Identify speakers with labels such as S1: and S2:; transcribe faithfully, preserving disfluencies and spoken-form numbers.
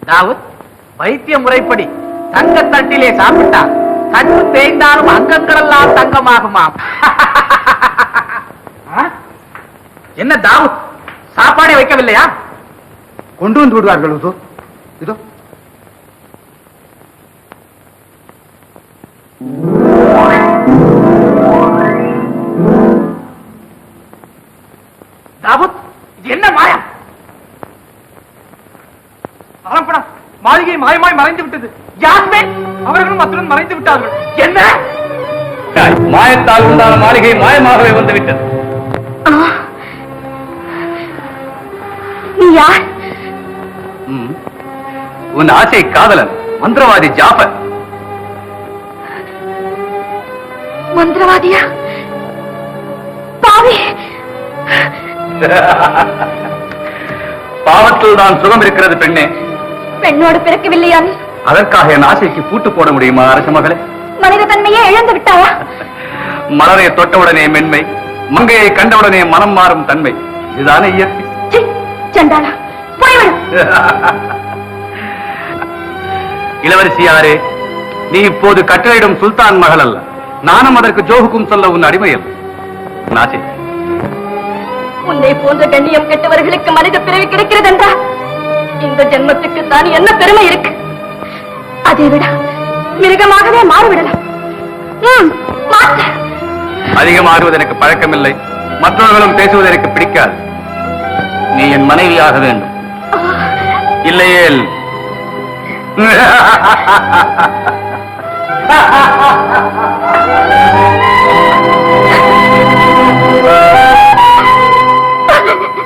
S1: தாவூத், வைத்திய முறைப்படி தங்க தட்டிலே சாப்பிட்டா கண்ணு தேய்ந்தாலும் அங்கங்கள் எல்லாம் தங்கமாகுமாம். என்ன தாவூத், சாப்பாடே வைக்கவில்லையா?
S2: கொண்டு வந்து விடுவார்கள். இதோ இதோ
S1: தாவூத், இது என்ன மாயா? அரம்பணம் மாளிகை மாயமாய் மறைந்து விட்டது. யாஸ்மின் அவர்களும் அத்துடன் மறைந்து விட்டார்கள். என்ன
S3: மாயத்தால் உண்டான மாளிகை மாயமாகவே வந்துவிட்டது.
S4: நீ யார்?
S3: உன் ஆசை காதலன் மந்திரவாதி ஜாஃபர்.
S4: மந்திரவாதியா? பாவி!
S3: பாவத்தில் தான் சுகம் இருக்கிறது பெண்ணே.
S4: பெண்ணோடு பிறக்கவில்லையா?
S3: அதற்காக என் ஆசைக்கு பூட்டு போட முடியுமா அரச மகளே?
S4: மனித தன்மையே இழந்து விட்டாயா?
S3: மலரை தொட்டவுடனே மென்மை, மங்கையை கண்டவுடனே மனம் மாறும் தன்மை, இதுதானே இயற்கை.
S4: சண்டாளா, போய்விடு.
S3: இளவரசியாரே, நீ இப்போது கட்டளையிடும் சுல்தான் மகள் அல்ல. நானும் அதற்கு ஜோகுக்கும் சொல்ல உன் அடிமை அல்ல. நாசே,
S4: உன்னை போன்ற கண்ணியம் கெட்டவர்களுக்கு மனித பிறவி கிடைக்கிறது என்றால் இந்த ஜென்மத்துக்கு தான் என்ன பெருமை இருக்கு? அதை விட மிருகமாகவே மாறிவிடலாம்.
S3: அதிகமாகுவது எனக்கு பழக்கமில்லை. மற்றவர்களும் பேசுவது எனக்கு பிடிக்காது. நீ என் மனைவியாக வேண்டும். இல்லையேல்